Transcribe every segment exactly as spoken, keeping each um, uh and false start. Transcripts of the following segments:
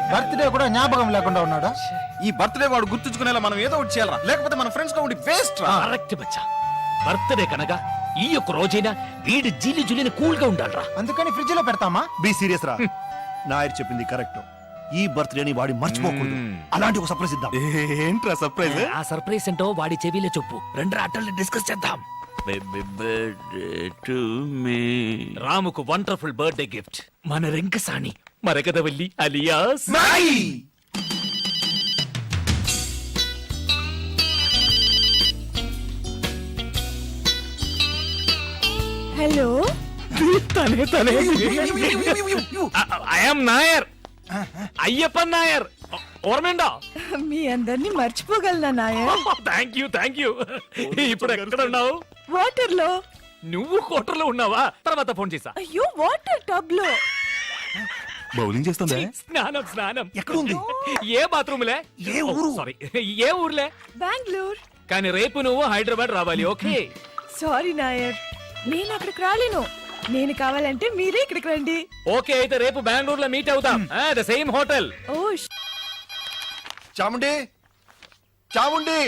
Birthday కూడా జ్ఞాపకం లేకుండా ఉన్నాడు. ఈ బర్త్డే వాడు గుర్తుంచుకునేలా మనం ఏదో ఒకటి చేయాలరా, లేకపోతే మన ఫ్రెండ్స్ గా ఉండి వేస్ట్ రా. కరెక్ట్ బచ్చా. బర్త్డే కనుక ఈ యొక్క రోజైనా వీడి జీలి జులిని కూల్ గా ఉండాలరా. అందుకని ఫ్రిడ్జ్ లో పెడతామా? బి సీరియస్ రా. నాయర్ చెప్పింది కరెక్ట్. ఈ బర్త్డేని వాడి మర్చిపోకూడదు. అలాంటి ఒక సర్ప్రైజ్ ఇద్దాం. ఏంట్రా సర్ప్రైజ్? ఆ సర్ప్రైజ్ ఏంటో వాడి చెవిలో చెప్పు. రెండు ఆటల్ని డిస్కస్ చేద్దాం. రాముకు వండర్ఫుల్ బర్త్డే గిఫ్ట్ మన రింకసాని మరకదవల్లి అలియాస్ హలో. తనే తనే ఐఎమ్ నాయర్, అయ్యప్పన్ నాయర్. ఓర్మేండా? మీ అందరినీ మర్చిపోగలనా Nair? Thank you thank you. ఇప్పుడు ఎక్కడ ఉన్నావు? వాటర్ లో. నువ్వు కోటర్లో ఉన్నావా? తర్వాత ఫోన్ చేసా. అయ్యో, వాటర్ టబ్ లో. బౌలింగ్ చేస్తుందా? స్నానం స్నానం. ఎక్కడ ఉంది? ఏ బాత్రూమ్ లే? ఏ ఊరు? సారీ, ఏ ఊర్లే? బెంగళూరు. కానీ రేపు నువ్వు హైదరాబాద్ రావాలి. ఓకే? సారీ నాయర్, నేను అక్కడికి రాలేను. నేను కావాలంటే మీరే ఇక్కడికి రండి. ఓకే, అయితే రేపు బెంగళూరులో మీట్ అవుతాం. The same hotel. ఓ చాముండి, చాముండి,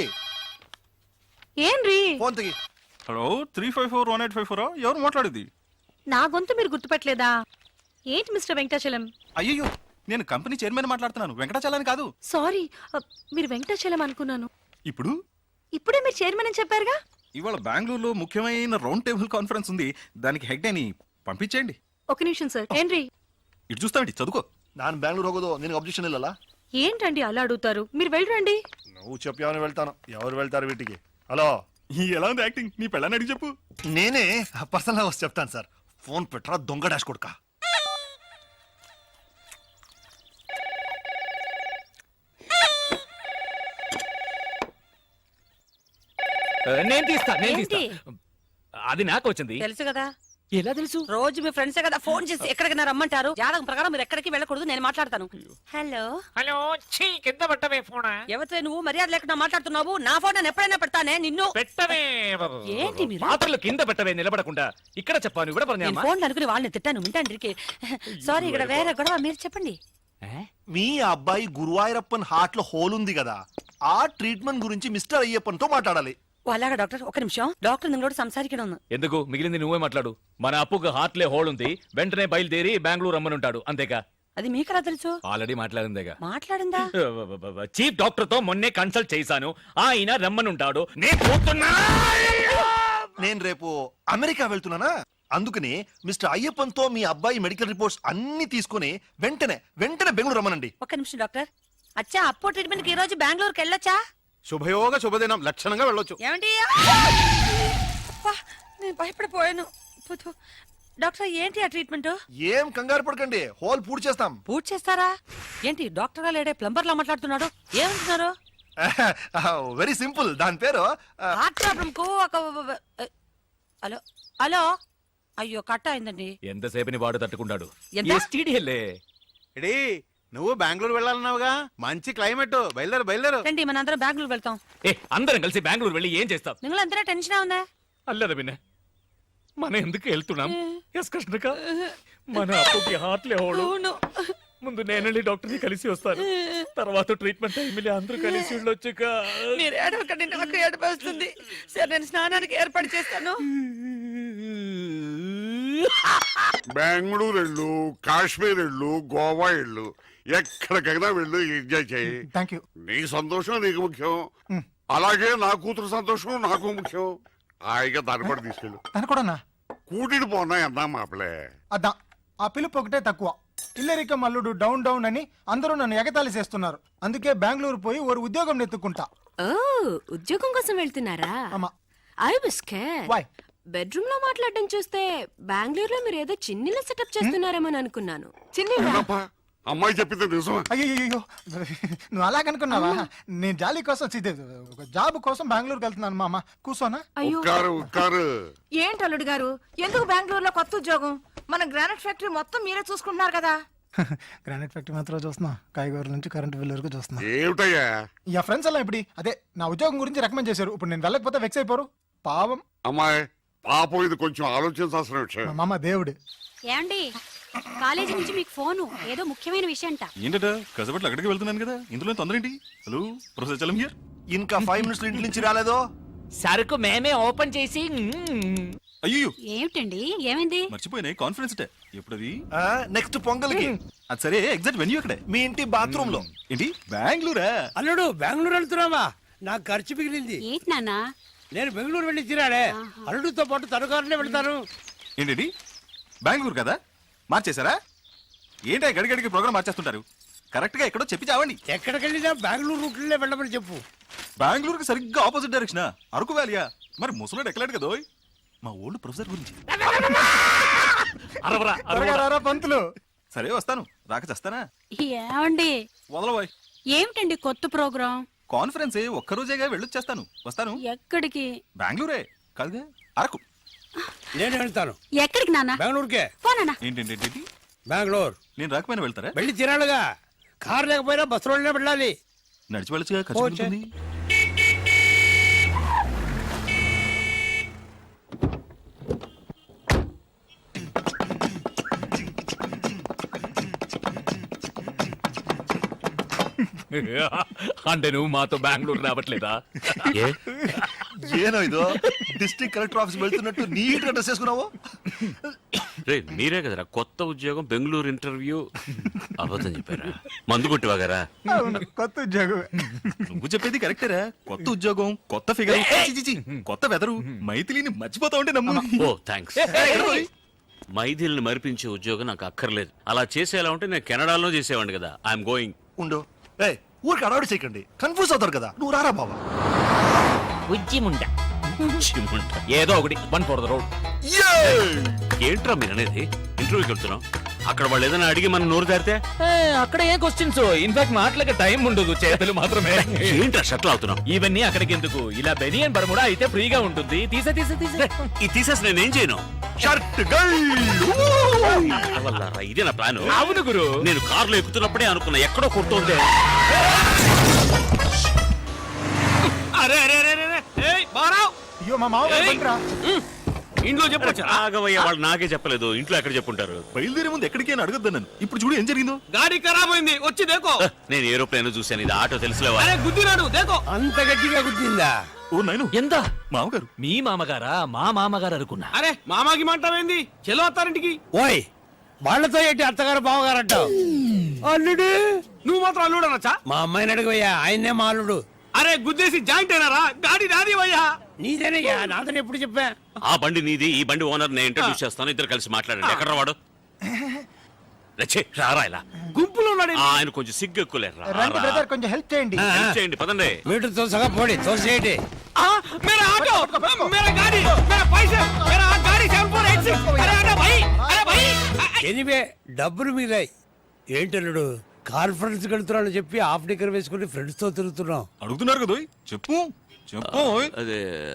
ఏంరి? ఫోన్ తిగి. Hello, three five four one eight five four ఎవరు మాట్లాడేది? నా గొంతు మీరు గుర్తుపట్టలేదా? ఏంటి మిస్టర్ వెంకటాచలం? అయ్యో, నేను కంపెనీ చైర్మన్ మాట్లాడుతున్నాను, వెంకటాచలాని కాదు. సారీ, మీరు వెంకటాచలం అనుకున్నాను. ఇప్పుడు ఇప్పుడే మీరు చైర్మన్ అని చెప్పారుగా. ఇవాళ బెంగళూరులో ముఖ్యమైన రౌండ్ టేబుల్ కాన్ఫరెన్స్ ఉంది, దానికి హెడ్ అని పంపించేయండి. ఒక నిమిషం సార్. ఏంటి ఇటు చూస్తామండి, చదువుకో. ನಾನು ಬ್ಯಾಂಗ್ಳೂರ್ ಹೋಗೋದು ನಿನಗೆ ಅಬ್ಜೆಕ್ಷನ್ ಇಲ್ಲಲ್ಲ? ఏంటండి అలా అడుగుతారు? మీరు వెళ్ళరండి. నువ్వు చెప్పావని వెళ్తాను. ఎవరు వెళ్తారు వీటికి? హలో, ఎలా ఉంది యాక్టింగ్? నీ పెళ్ళని అడిగి చెప్పు. నేనే పర్సనల్ గా వచ్చి చెప్తాను సార్. ఫోన్ పెట్టరా దొంగ డాష్ కొడుక. నేను తీస్తా నేను తీస్తా. ఏంటి? అది నాకు వచ్చింది. తెలుసు కదా, ఎలా తెలుసు? రోజు మీ ఫ్రెండ్సే కదా ఫోన్ చేసి ఎక్కడికి రమ్మంటారు. జాతకం ప్రకారం మీరు ఎక్కడికి వెళ్ళకూడదు, నేను మాట్లాడతాను. హలో హలో, ఛీ, కింద పెట్టవే ఫోన్. ఎవరితో నువ్వు మర్యాద లేకుండా మాట్లాడుతున్నావు? నా ఫోన్ నేను ఎప్పుడైనా పెడతానే నిన్ను. పెట్టవే. ఏంటి మీరు? పాత్రలు కింద పెట్టవే, నిలబడకుండా. ఇక్కడ చెప్పాను, ఇక్కడ నేను ఫోన్ అనుకుని వాళ్ళని తిట్టాను. వింటాండ్రికి. సారీ, ఇక్కడ వేరే గొడవ. మీరు చెప్పండి. మీ అబ్బాయి గురువాయూరప్పన్ హార్ట్ లో హోల్ ఉంది కదా, ఆ ట్రీట్మెంట్ గురించి మిస్టర్ అయ్యప్పన్ తో మాట్లాడాలి. అలాగా డాక్టర్, ఒక నిమిషం. డాక్టర్ నిങ്ങളోട് సంസാരിക്കണം. ఎందుకు? మిగిలింది నువ్వే మాట్లాడు. మన అప్పుకు హార్ట్లే హోల్ ఉంది, వెంటనే బయలుదేరి బెంగళూరు రమ్మనుంటాడు. అంతేగా? అది మీకెలా తెలుసు? ఆల్రెడీ మాట్లాడిందేగా. మాట్లాడిందా? చీఫ్ డాక్టర్ తో మొన్నే కన్సల్ట్ చేశాను, ఆయన రమ్మనుంటాడు. నేను పోతున్నా. నేను రేపు అమెరికా వెళ్తున్నానా, అందుకని మిస్టర్ అయ్యప్పన్ తో మీ అబ్బాయి మెడికల్ రిపోర్ట్స్ అన్ని తీసుకుని వెంటనే వెంటనే బెంగళూరు రమ్మనండి. ఒక నిమిషం డాక్టర్. అచ్చా, అప్పో ట్రీట్మెంట్ కి ఈ రోజు బెంగళూరుకి వెళ్ళొచ్చా? శుభయోగ శుభదినం, లక్షణంగా వెళ్ళొచ్చు. ఏమండి? అబ్బా, నేను భయపడిపోయాను. పుతు. డాక్టర్, ఏంటి ఆ ట్రీట్మెంట్? ఏం కంగారు పడకండి, హోల్ పూర్తి చేస్తాం. పూర్తి చేస్తారా? ఏంటి డాక్టర్ గా లేడే ప్లంబర్ లా మాట్లాడుతున్నాడు? ఏమంటున్నారు? వెరీ సింపుల్, దాని పేరు హార్ట్ ప్రాబ్లం కు ఒక హలో హలో అయ్యో, కట్ అయిందండి. ఎంతసేపని వాడు తట్టుకుంటాడు. ఎంత? ఎస్టీడీఎల్ఏ. ఎడీ, నువ్వు బెంగళూరు వెళ్ళాలన్నావుగా, మంచి క్లైమేట్, బయలుదేరు బయలుదేరు. రండి, మనందరం బెంగళూరు వెళ్తాం. ఏ, అందరం కలిసి బెంగళూరు వెళ్ళి ఏం చేస్తాం? నిങ്ങളందరూ టెన్షన్ ఉందా? అల్లదా విన్న మనం ఎందుకు వెళ్తున్నాం? ఎస్ కృష్ణక, మన అప్పుకి హార్ట్లే హోడు. అవును. ముందు నేనెళ్ళి డాక్టర్ ని కలిసి వస్తాను, తర్వాత ట్రీట్మెంట్ టైంలో అందరూ కలిసి వెళ్ళొచ్చుక. మీరు ఏడవకండి, నాకు ఏడుపు వస్తుంది. సరే, నేను స్నానానికి ఏర్పాటు చేస్తాను. బెంగళూరు వెళ్ళు, కాశ్మీర్ వెళ్ళు, గోవా వెళ్ళు, ఎక్కడికైనా వెళ్ళు, ఎంజాయ్ చేయి. Thank you. నీ సంతోషం నీకు ముఖ్యం, అలాగే నా కూతురు సంతోషం నాకు ముఖ్యం. హాయిగా దానిపడి తీసుకెళ్ళు. తను కూడా కూటిని పోనా ఎందా మాపలే. అద్దా, ఆ పిలుపు ఒకటే తక్కువ. ఇల్లరిక మల్లుడు డౌన్ డౌన్ అని అందరూ నన్ను ఎగతాళి చేస్తున్నారు. అందుకే బెంగళూరు పోయి ఓ ఉద్యోగం ఎత్తుకుంటా. ఓ, ఉద్యోగం కోసం వెళ్తున్నారా? అమ్మా, I was scared. Why? Bedroom లో మాట్లాడడం చూస్తే బెంగళూరులో మీరు ఏదో చిన్నిల సెటప్ చేస్తున్నారేమో అనుకున్నాను. ఏంటప్పా, అమ్మాయి చెప్పింది నిజమా? అయ్యో, నువ్వు అలాగనుకున్నావా? నేను జాలీ కోసం ఇది, ఒక జాబ్ కోసం బెంగళూరుకి వెళ్తున్నాను. మామ కూర్చోనా? ఉక్కారు ఉక్కారు. ఏంటి అల్లుడు గారు, ఎందుకు బెంగళూరులో కొత్త ఉద్యోగం? మన గ్రానైట్ ఫ్యాక్టరీ మొత్తం మీరే చూసుకుంటున్నారు కదా. గ్రానైట్ ఫ్యాక్టరీ మాత్రం చూస్తున్నా, కాయగూరల నుంచి కరెంట్ బిల్ వరకు చూస్తున్నా. ఏమిటయ్యా? యా ఫ్రెండ్స్ అలా ఇప్పుడు అదే నా ఉద్యోగం గురించి రికమెండ్ చేశారు. ఇప్పుడు నేను వెళ్ళకపోతే వెక్స్ అయిపోరు. పావం అమ్మాయి పాపం, ఇది కొంచెం ఆలోచించాల్సిన విషయం. మా మామ దేవుడు. ఏమండి, కాలేజీ నుంచి మీకు ఫోను ఏదో ముఖ్యమైన విషయం అంట ఏంటట కసపట్లు అక్కడికి వెళ్తున్నాను కదా ఇందులో తొందర ఏంటి? Hello professor Chalam here. ఇంకా ఫైవ్ మినిట్స్ ఇంటి నుంచి రాలేదో సరుకు మేమే ఓపెన్ చేసి అయ్యో ఏమిటండి ఏమైంది మర్చిపోయినాయి కాన్ఫరెన్స్ డే ఎప్పుడది? నెక్స్ట్ పొంగల్కి అది సరే ఎగ్జాక్ట్ వెన్యూ అక్కడే మీ ఇంటి బాత్రూమ్ లో. ఏంటి బెంగళూరా? అల్లుడు బెంగళూరు వెళ్తున్నావా? నాకు ఖర్చు మిగిలింది. ఏంటి నాన్న నేను బెంగళూరు వెళ్ళి తిరాడే. అల్లుడితో పాటు తనుకారులే వెళ్తాను. ఏంటి బెంగళూరు కదా మార్చేశారా? ఏంటి గడిగడికి ప్రోగ్రామ్ మార్చేస్తుంటారు? కరెక్ట్ గా ఎక్కడో చెప్పి చావండి. ఎక్కడికెళ్ళినా బెంగళూరు రూట్లే వెళ్ళమని చెప్పు. బెంగళూరుకి సరిగ్గా ఆపోజిట్ డైరెక్షన్ అరకు వ్యాలియా? మరి ముసలోడు ఎక్కలేడు కదా ఓయ్. మా ఓల్డ్ ప్రొఫెసర్ గురించి. అరవరా త్వరగా రారా పంతులు. సరే వస్తాను, రాక చేస్తానా? ఏమండి వదలబోయ్. ఏమిటండి కొత్త ప్రోగ్రాం? కాన్ఫరెన్స్ ఒక్కరోజేగా వెళ్ళొచ్చేస్తాను. వస్తాను. ఎక్కడికి? బెంగళూరే కాదుగా, అరకు. నేను వెళ్తాను. ఎక్కడికి నాన్న? బెంగళూరుకే. పోనా? ఏంటంటే బెంగళూరు నేను రాకపోయినా వెళ్తారా? వెళ్ళి తిరాడుగా. కారు లేకపోయినా బస్సులోనే వెళ్ళాలి. నడిచి వెళ్ళొచ్చుగా, ఖర్చు ఓ, చే- ఉంటుంది. అంటే నువ్వు మాతో బెంగళూరు రావట్లేదా? ఏనో ఇదో డిస్ట్రిక్ట్ కలెక్టర్ ఆఫీస్ వెళ్తున్నట్టు నీట్ గా డ్రెస్ చేసుకున్నావు. రే మీరే కదరా కొత్త ఉద్యోగం బెంగళూరు ఇంటర్వ్యూ అబద్ధం చెప్పారా? మందు కొట్టివాగారా? అవును, కొత్త ఉద్యోగం. నువ్వు చెప్పేది కరెక్టేరా. కొత్త ఉద్యోగం, కొత్త ఫిగర్, కొత్త వెదరు. మైథిలిని మర్చిపోతా ఉంటే నమ్ము. ఓ థ్యాంక్స్. మైథిల్ని మరిపించే ఉద్యోగం నాకు అక్కర్లేదు. అలా చేసేలా ఉంటే నేను కెనడాలో చేసేవాడిని కదా. I'm going. ఉండు ఏ ఊరికి అడవాడి చేయకండి, కన్ఫ్యూజ్ అవుతారు కదా. నువ్వు రారా బాబా. ఉజ్జిముండ ఏదో ఒకటి వన్ ఫోర్ ద రోడ్. ఏంట్రా మీరు అనేది? ఇంటర్వ్యూకి వెళ్తున్నాం, అక్కడ వాళ్ళు ఏదైనా అడిగి మనం నోరు దారితే అక్కడ ఏ క్వశ్చన్స్ ఇన్ఫాక్ట్ మాటలకి టైం ఉండదు, చేతులు మాత్రమే. ఏంట్రా షట్లు అవుతున్నాం? ఇవన్నీ అక్కడికి ఎందుకు? ఇలా బెనియన్ బర్ముడా అయితే ఫ్రీగా ఉంటుంది. తీసే తీసే తీసే ఇది తీసేసి నేనేం చేయను? షర్ట్ అవల్లారా, ఇదే నా ప్లాన్. అవును గురు. నేను కారులో ఎక్కుతున్నప్పుడే అనుకున్నా ఎక్కడో కొడుతుంది. అరే అరే అరే అరే ఏయ్ బారావ్, అయ్యో మా మామగారు బండిరా. ఇంట్లో చెప్పొచ్చు. ఆగవయ్య, వాళ్ళు నాకే చెప్పలేదు. ఇంట్లో ఎక్కడ చెప్పుంటారు? బయలుదేరే ముందు ఎక్కడికి అని అడగద్దు నన్ను. ఇప్పుడు చూడు ఏం జరిగిందో. గాడి ఖరాబ్ అయింది, వచ్చి దేకో. నేను ఏరోప్లేన్ చూశాను, ఇది ఆటో తెలుసులేవా? అరే గుద్దినాడు, దేకో. అంత గట్టిగా గుద్దిందా? ఓ నైను, ఎంత? మామగారు. మీ మామగారా? మా మామగారు అనుకున్నా. అరే మామాకి మాంటావేంది? చెలో అత్తారింటికి. ఓయ్, వాళ్ళతో ఏంటి అత్తగారు బావగారు అంటావు? అల్లుడు, నువ్వు మాత్రం అల్లుడు అనొచ్చా? మా అమ్మాయిని అడుగుయ్యా, ఆయన్నే మా అల్లుడు. అరే గుద్దేసి జాయింట్ అయినారా? గాడి నాది వయ్యా. నీదేనయ్యా, నాతో ఎప్పుడు చెప్పా? ఆ బండి నీది, ఈ బండి ఓనర్ నేను ఇంట్రడ్యూస్ చేస్తాను. ఇద్దరు కలిసి మాట్లాడండి. ఎక్కడ వాడు? రచ్చే, రారా ఇలా. గుంపులో ఉన్నాడు. ఆ, ఆయన కొంచెం సిగ్గు ఎక్కువలేరు. రండి బ్రదర్, కొంచెం హెల్ప్ చేయండి. హెల్ప్ చేయండి, పదండి. మీటర్ తోసగా పోడి, తోసేయండి. ఆ, మేరా ఆటో, మేరా గాడి, మేరా పైసే, మేరా గాడి సెవెన్ ఫోర్ ఎయిట్ సిక్స్. అరే అరే భై, అరే భై. ఎనివే డబ్బులు మిగిలాయి. ఏంటల్లుడు, కాన్ఫరెన్స్ వెళ్తున్నాను చెప్పి హాఫ్ డిగ్గర్ వేసుకుని ఫ్రెండ్స్ తో తిరుగుతున్నాం. అడుగుతున్నారు కదా ఓయ్. చెప్పు చెప్పు ఓయ్. అదే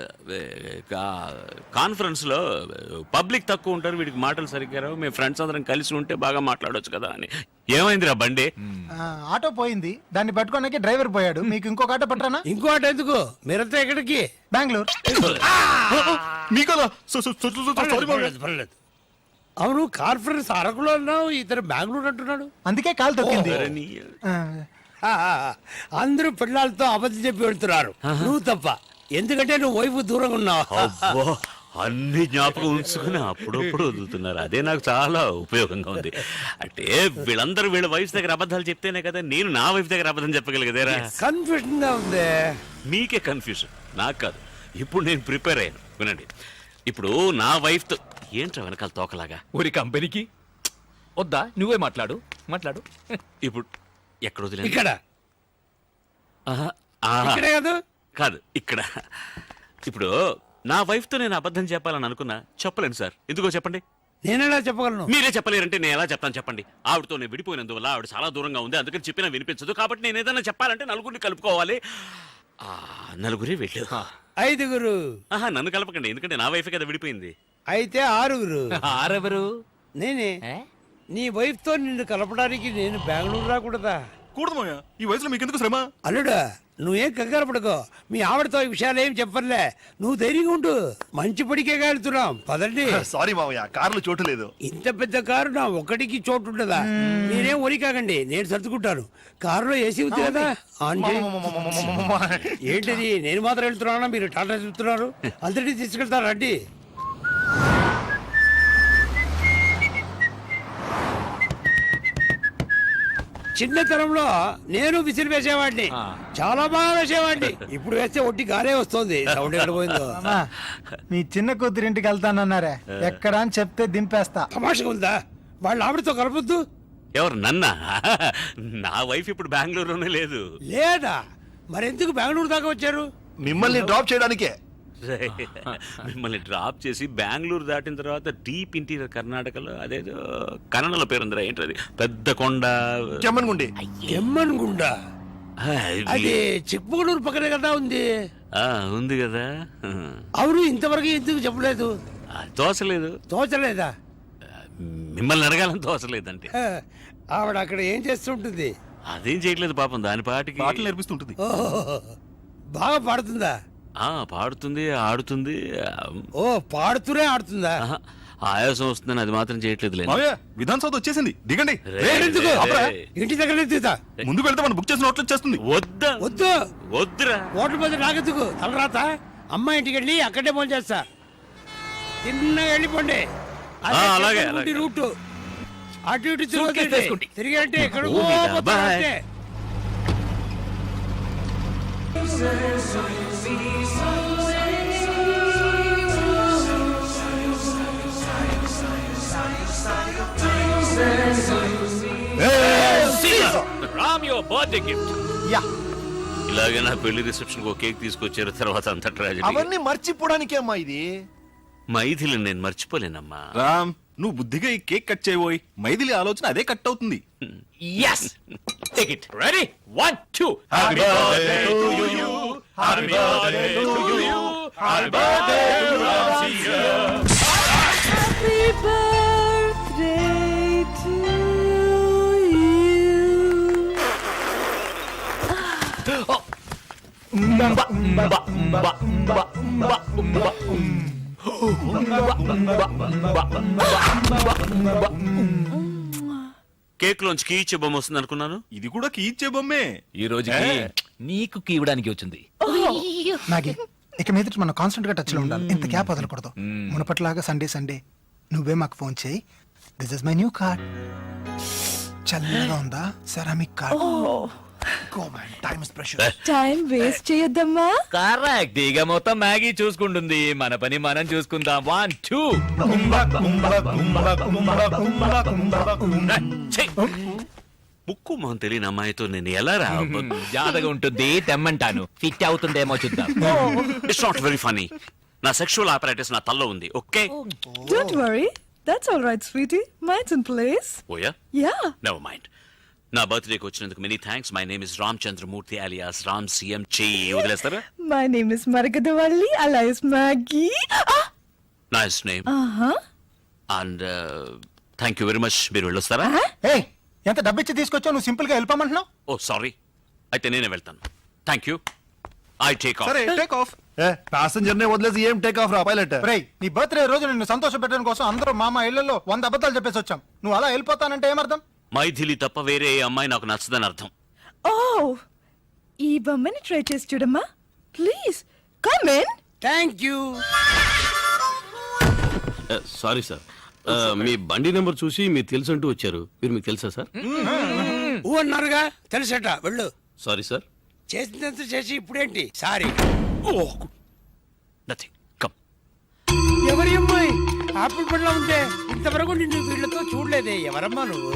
కాన్ఫరెన్స్ లో పబ్లిక్ తక్కువ ఉంటారు, వీడికి మాటలు సరిగ్గా రావు. మేము ఫ్రెండ్స్ అందరం కలిసి ఉంటే బాగా మాట్లాడొచ్చు కదా అని. ఏమైందిరా బండి? ఆ, ఆటో పోయింది, దాన్ని పట్టుకోడానికి డ్రైవర్ పోయాడు. మీకు ఇంకొక ఆటో పట్టరానా? ఇంకో ఆట ఎందుకు? మీరంతా ఎక్కడికి? బెంగళూరు. మీకలా సో- సో- సో- సో- సో- సారీ మామగారు. పర్లేదు, పర్లేదు. అవును, కాన్ఫరెన్స్ అరకులో అన్నావు, ఇతను బెంగళూరు అంటున్నాడు. అందుకే కాలు తొక్కింది. అరే నీ- ఆ, ఆ, ఆ, ఆ. అందరూ పిల్లలతో అబద్ధం చెప్పి వెళ్తున్నారు, నువ్వు తప్ప. ఎందుకంటే నువ్వు వైపు దూరంగా ఉన్నావు. అబ్బో, అన్ని జ్ఞాపకం ఉంచుకుని అప్పుడప్పుడు వదులుతున్నారు. అదే నాకు చాలా ఉపయోగంగా ఉంది. అంటే వీళ్ళందరూ వీళ్ళ వైఫ్ దగ్గర అబద్ధాలు చెప్తేనే కదా నేను నా వైఫ్ దగ్గర అబద్ధం చెప్పగలిగేదేరా. కన్ఫ్యూజన్ గా ఉంది. మీకే కన్ఫ్యూజన్, నాకు కాదు. ఇప్పుడు నేను ప్రిపేర్ అయ్యాను, వినండి. ఇప్పుడు నా వైఫ్ తో ఏంట్రా వెనకాల తోకలాగా? ఊరి కంపెనీకి వద్దా? నువ్వే మాట్లాడు మాట్లాడు. ఇప్పుడు ఎక్కడ వదిలేదు? ఇక్కడ ఆహా, ఆ, ఇక్కడే కాదు, కాదు ఇక్కడ. ఇప్పుడు నా వైఫ్ తో నేను అబద్ధం చెప్పాలని అనుకున్నా, చెప్పలేను సార్. ఎందుకో చెప్పండి. నేనెలా చెప్పగలను? మీరే చెప్పలేరంటే నేను ఎలా చెప్తాను చెప్పండి. ఆవిడతో నేను విడిపోయినందువల్ల ఆవిడ చాలా దూరంగా ఉంది, అందుకని చెప్పినా వినిపించదు. కాబట్టి నేను ఏదైనా చెప్పాలంటే నలుగురిని కలుపుకోవాలి. ఆ నలుగురే వెళ్ళు. ఐదుగురు. ఆహా, నన్ను కలపకండి, ఎందుకంటే నా వైఫ్ కదా విడిపోయింది. అయితే ఆరుగురు. ఆరెవరు? నేనే. నీ వైఫ్ తో నిన్ను కలపడానికి నేను బెంగళూరు రాకూడదా? కూడదు మామయ్య, ఈ వయసులో మీకెందుకు శ్రమ? అల్లుడా, నువ్వేం కంగారు పడుకో మీ ఆవిడతో ఈ విషయాలు ఏం చెప్పర్లే నువ్వు ధైర్యంగా ఉండు మంచి పడికే వెళ్తున్నాం పదండి సారీ మావయ్య కారులో చోటు లేదు. ఇంత పెద్ద కారు నా ఒకటికి చోటు ఉండదా నేనేం ఒరి కాకండి నేను సర్దుకుంటాను కారులో ఏసీ ఉంది కదా ఆన్ చేయి. ఏంటిది నేను మాత్రం వెళ్తున్నానా మీరు టాటా చెప్తున్నారు అందరినీ తీసుకెళ్తారా రండి చిన్నతనంలో నేను విసిరి వేసేవాడిని చాలా బాగా వేసేవాడిని ఇప్పుడు వేస్తే ఒట్టి గారే వస్తుంది సౌండ్ ఎక్కడ పోయిందో మామా, మీ చిన్న కూతురింటికి వెళ్తానన్నారే ఎక్కడ అని చెప్తే దింపేస్తా. తమాషగా ఉందా వాళ్ళ ఆవిడతో కలపొద్దు ఎవరు నన్నా నా వైఫ్ ఇప్పుడు బెంగళూరులోనే లేదు. లేదా మరెందుకు బెంగళూరు దాకా వచ్చారు మిమ్మల్ని డ్రాప్ చేయడానికే. మిమ్మల్ని డ్రాప్ చేసి బెంగళూరు దాటిన తర్వాత డీప్ ఇంటీరియర్ కర్ణాటకలో అదేదో కన్నడలో పేరుందిరా ఏంటది పెద్ద కొండ చెమ్మన్గుండి. ఎమ్మన్ గుండా ఆ, అది చిక్మగళూరు పక్కనే కదా ఉంది ఆ, ఉంది కదా. అవును ఇంతవరకు ఎందుకు చెప్పలేదు ఆ, తోసలేదు. తోచలేదా మిమ్మల్ని అడగాలని తోసలేదంటే హ, ఆవిడ అక్కడ ఏం చేస్తుంటుంది అదేం చేయట్లేదు పాపం దాని పాటికి పాటలు నేర్పిస్తుంటుంది. ఓహో బాగా పాడుతుందా ఆ పాడుతుంది ఆడుతుంది. ఓ పాడుతూనే ఆడుతుందా ఆహా, ఆయాసం వస్తుందని అది మాత్రం చేయట్లేదు లేదు. మావయ్య విధాన్ సౌత్ వచ్చేసింది, దిగండి. ఎందుకు? ఆపరా. ఇంటి దగ్గర తీతా ముందుకు వెళ్తే మనం బుక్ చేసిన హోటల్ చేస్తుంది. వద్దా వద్దు వద్దురా. ఓట్ల మీద నాకెందుకు తలరాత అమ్మ ఇంటికి వెళ్ళి అక్కడే ఫోన్ చేస్తా తిన్నగా వెళ్ళిపోండి అదే ఆ, అలాగే, చెప్పుకుంటే అలాగే. రూటు అటు ఇటు Suitcase తిరగకండి. వేసుకోండి. తిరిగంటే ఎక్కడ ఓ మీద, bye. Ram your birthday gift. Yeah ఇలాగే నా పెళ్లి రిసెప్షన్ ఒక కేక్ తీసుకొచ్చారు తర్వాత అంత ట్రాజెడీ. అవన్నీ మర్చిపోవడానికే అమ్మా ఇది. మైథిలి నేను మర్చిపోలేనమ్మా. రామ్ నువ్వు బుద్ధిగా ఈ కేక్ కట్ చేయబోయి మైథిలి ఆలోచన అదే కట్ అవుతుంది. Yes. Take it. Ready? One, two. Happy birthday to you. Happy birthday to you. Happy birthday to Ramsiya. Happy birthday to cake లోంచి కీ ఇచ్చే బొమ్మ వస్తుంది అనుకున్నాను. ఇది కూడా కీ ఇచ్చే బొమ్మే. ఈ రోజుకి నీకు కీవడానికి వచ్చింది. నాగి ఇక మీదట మనం కాన్స్టెంట్ గా టచ్ లో ఉండాలి. ఇంత గ్యాప్ వదలకూడదు. మునపట్లాగా సండే సండే నువ్వే మాకు ఫోన్ చేయి. This is my new card. చల్లగా ఉందా ceramic card. Go man time is precious. Time waste చేయొద్దమ్మా. కరెక్ట్. ఇక మొత్తం మ్యాగీ చూసుకుంటుంది, మన పని మనం చూసుకుందాం. One two. ముక్కు మొహం తెలియని అమ్మాయితో నేను ఎలా రా? జాతగా ఉంటుంది, తెమ్మంటాను. ఫిట్ అవుతుందేమో చూద్దాం. It's not very funny. నా సెక్షువల్ ఆపరేటర్స్ నా తల్లో ఉంది. Okay Don't worry. That's all right, sweetie. Mine's in place. ఓయా Yeah. Never mind. నా బర్త్డేకి వచ్చినందుకు many thanks. My name is Ram Chandramurthy alias Ram CM. చెయ్యి వదిలేస్తారా? My name is Margadavalli alias Maggie. Ah! Nice name Uh-huh. And thank you very much. మీరు వెళ్ళొస్తారా? ఏయ్ ఎంత డబ్బిచ్చి తీసుకొచ్చావు నువ్వు సింపుల్ గా వెళ్ళిపోమంటున్నావు. ఓ సారీ, అయితే నేనే వెళ్తాను. Thank you. I take off. సరే టేక్ ఆఫ్. ప్యాసింజర్ నే వదిలేసి ఏం టేక్ ఆఫ్ రా పైలట్. రేయ్ నీ బర్త్డే రోజు నిన్ను సంతోష పెట్టడం కోసం అందరూ మామ ఇళ్లలో వంద అబద్ధాలు చెప్పేసి వచ్చాం. నువ్వు అలా వెళ్ళిపోతానంటే ఏమర్థం? మైథిలి తప్ప వేరే ఏ అమ్మాయి నాకు నచ్చదని అర్థం. Oh! ఈ బొమ్మని ట్రై చేసి చూడమ్మా. Please come in. Thank you sorry sir, మీ బండి నెంబర్ చూసి మీరు తెలుసు అంటూ వచ్చారు. మీరు మీకు తెలుసా సార్? ఊ అన్నారుగా తెలుసట వెళ్ళు. Sorry sir. చేసినంత చేసి ఇప్పుడేంటి సారీ. Nothing come. ఎవరి అమ్మాయి ఆపిల్ పండ్లో ఉంటే ఇంతవరకు నిన్ను వీళ్ళతో చూడలేదే. ఎవరమ్మా నువ్వు?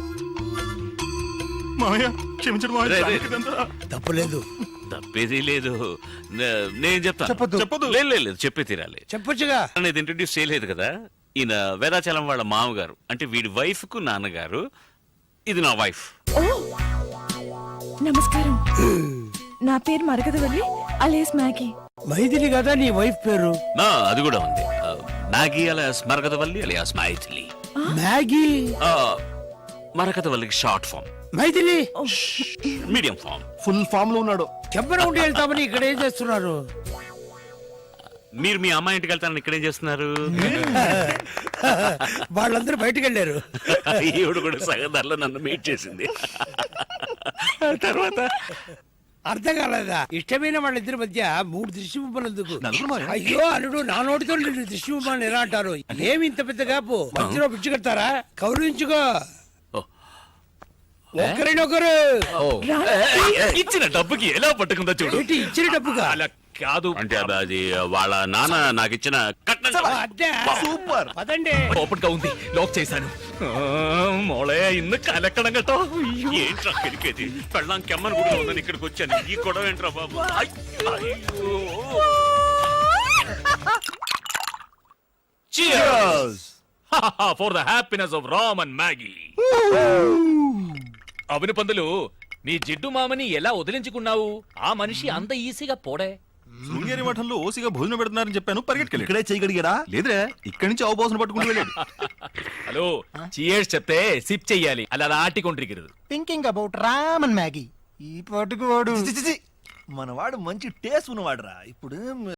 మావయ్య క్షమించడం మావయ్య. రే, రే. ఇదంతా. తప్పులేదు తప్పేది లేదు. నే- నేను చెప్తాను. చెప్పొద్దు. చెప్పొద్దు. లేదు లేదు, లేదు చెప్పే తీరాలి. చెప్పొచ్చుగా. అనేది ఇంట్రడ్యూస్ చేయలేదు కదా. ఈయన వేదాచలం వాళ్ళ మామగారు, అంటే వీడి వైఫ్ కు నాన్నగారు. ఇది నా వైఫ్. నమస్కారం. నా పేరు మరగదవల్లి alias Maggie. మైథిలి కదా నీ వైఫ్ పేరు? నా అది కూడా ఉంది. ఆ, Maggie alias Marakathavalli alias Mythili. Maggie. ఆ, మరకతవల్లికి short form. Mythili medium form. Full form లో ఉన్నాడు. చెప్పన ఉండి వెళ్తామని ఇక్కడ ఏం చేస్తున్నారు? మీరు మీ అమ్మాయి ఇంటికి వెళ్తారని ఇక్కడేం చేస్తున్నారు? వాళ్ళందరూ బయటకు వెళ్ళారు. ఈవిడ కూడా సగదర్లో నన్ను మీట్ చేసింది. తర్వాత అర్థం కాలేదా? ఇష్టమైన వాళ్ళిద్దరి మధ్య మూడు దృష్టి బొమ్మలు ఎందుకు? అయ్యో అల్లుడు, నా నోటితో రెండు దృష్టి బొమ్మలు ఎలా అంటారు? ఏమి ఇంత పెద్ద కాపు? మధ్యలో పిచ్చి కడతారా? కౌరించుకో ఒకరినొకరు. ఇచ్చిన డబ్బుకి ఎలా పట్టుకుందో చూడు. ఏంటి ఇచ్చిన డబ్బుగా? అలా కాదు అంటే అది- అది వాళ్ళ నాన్న నాకు ఇచ్చిన కట్నం. అదే సూపర్. పదండి. ఓపెన్ గా ఉంది, లాక్ చేశాను. ఆ, మోళే ఇന്ന് కలెక్కడం గట్టో. ఏంట్రా కిరికేది? పెళ్ళాం కెమ్మని కూడా ఉందని ఇక్కడికి వచ్చాను. ఈ గొడవ ఏంట్రా బాబు? అయ్యో. For the happiness of Ram and Maggie. అవును పందులు, నీ జిడ్డు మామని ఎలా వదిలించుకున్నావు? ఆ మనిషి అంత ఈజీగా పోడే. శృంగేరి మఠంలో ఓసిగా భోజనం పెడుతున్నారని చెప్పాను, పరిగెట్టుకెళ్ళి. ఇక్కడే చేయగలిగాడా? లేదురే, ఇక్కడి నుంచి అవబోసన పట్టుకుంటూ వెళ్ళాడు. హలో, చియర్స్ చెప్తే సిప్ చెయ్యాలి, అలా ఆటికొండ్రిగిరదు. Thinking about Ram and Maggie. ఈ పాటుకు వాడు చి, చి, చి. మనవాడు మంచి టేస్ట్ ఉన్నవాడురా. ఇప్పుడు